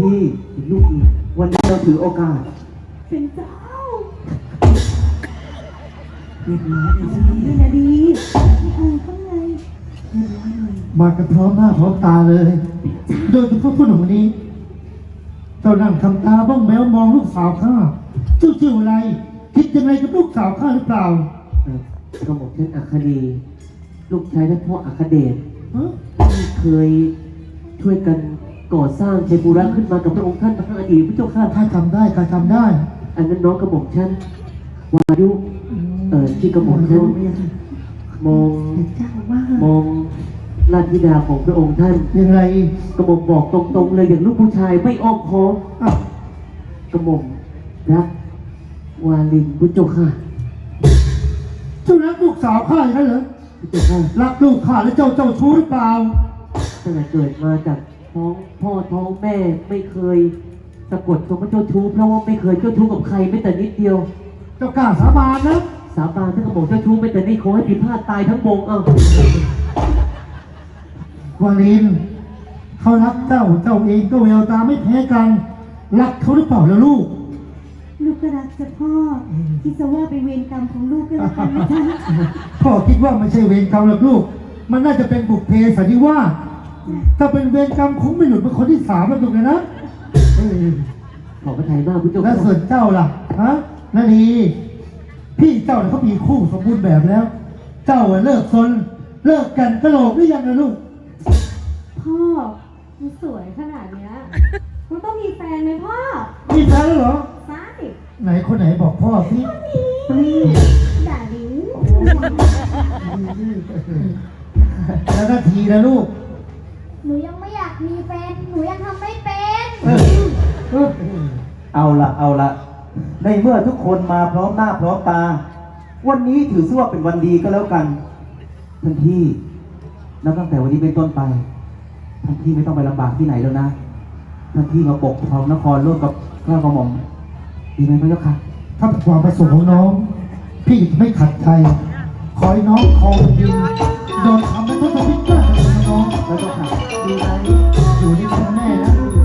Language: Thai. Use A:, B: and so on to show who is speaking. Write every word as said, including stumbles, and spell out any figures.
A: พี่ลูกอีกวันนี้เราถือโอกาส
B: เป็นเจ้า
A: เรียบร้อยเลยสิ
B: นี่นะดีเออข้างในเรียบร้อยเลย
C: มากันพร้อมหน้าพร้อมตาเลยโดยเฉพาะผู้หนุ่มคนนี้เจ้านั่งทำตาบ้องแมวมองลูกสาวข้าเจ้าชื่ออะไรคิดยังไงกับลูกสาวข้าหรือเปล่า
A: เออกระหม่อมเช่นอัคดี ลูกชายและพ่ออัคเดชที่เคยช่วยกันก่อสร้างชัยภูระขึ้นมากับพระองค์ท่านพระอดีตพระเจ้าข้า
C: ข้าทำได้ข้าทำได้
A: อันนั้นน้องกระหม่อมฉันวายุเอ่อที่กระหม่อมฉันมองมองราชธิดาของพระองค์ท่าน
C: ยังไง
A: กระหม่อมบอกตรงๆเลยอย่างลูกผู้ชายไม่อ้อมค้อมกระหม่อมรักวาลินพระเจ้าค่ะ
C: เจ้ารักลูกสาวข้าอย่างนั้นเหรอ
A: พระเจ้าค่ะ
C: รักลูกข้าแล้วเจ้าเจ้าชู้หรือเปล่า
A: ตั้งแต่เกิดมาจากท้องพ่อท้องแม่ไม่เคยสะกดคำว่าเจ้าชู้เพราะว่าไม่เคยเจ้าชู้กับใครไม่แต่นิดเดียว
C: เจ้ากล้าสาบานนะ
A: สาบานถ้ากระหม่อมเจ้าชู้ไม่แต่นี่ขอให้ผิดพลาดตายทั้งวงเอ้า
C: วาลินเขารักเจ้าเจ้าเองก็แววตาไม่แพ้กันรักเขาหรือเปล่าล่ะลูก
B: ลูกก็รักจ้ะพ่อคิดซะว่าเป็นเวรกรรมของลูกก็แล้วกันนะจ๊ะ
C: พ่อคิดว่าไม่ใช่เวรกรรมหรอกลูกมันน่าจะเป็นบุพเพสันนิวาสถ้าเป็นเวรกรรมคงไม่หลุดเป็นคนที่สามแล้วถูกไหมนะ
A: ขอพระทัยมากพุทธเจ้า
C: แล้วส่วนเจ้าล่ะฮะนานีพี่เจ้าเนี่ยเขามีคู่สมบูรณ์แบบแล้วเจ้าเลิกซนเลิกกันกระโหลกหรือยังนะลูก
B: พ่อมันสวยขนาดเนี้ยมันต้องมีแฟนไหมพ่อ
C: มีแฟนแล้วเหรอ
B: ใช่
C: ไหนคนไหนบอกพ่อพี่
B: นี่ด่าดิว
C: แล้วนาทีนะลูก
B: หนูยังไม่อยากมีแฟนหนูยังทำไม่เป็น
D: เอาละเอาละในเมื่อทุกคนมาพร้อมหน้าพร้อมตาวันนี้ถือซะว่าเป็นวันดีก็แล้วกันท่านพี่นับตั้งแต่วันนี้เป็นต้นไปท่านพี่ไม่ต้องไปลำบากที่ไหนแล้วนะท่านพี่มาปกครองนครร่วมกับข้ากระหม่อมดีไหมพระเจ้าค่ะ
C: ถ้าเป็นความประสงค์ของน้องพี่จะไม่ขัดใจขอให้น้องคองยืนโดนทำให้ทุกคนพิจารณาน้อง
A: แล้วก็ค่ะดีไหม
C: อยู่ในแม่นะ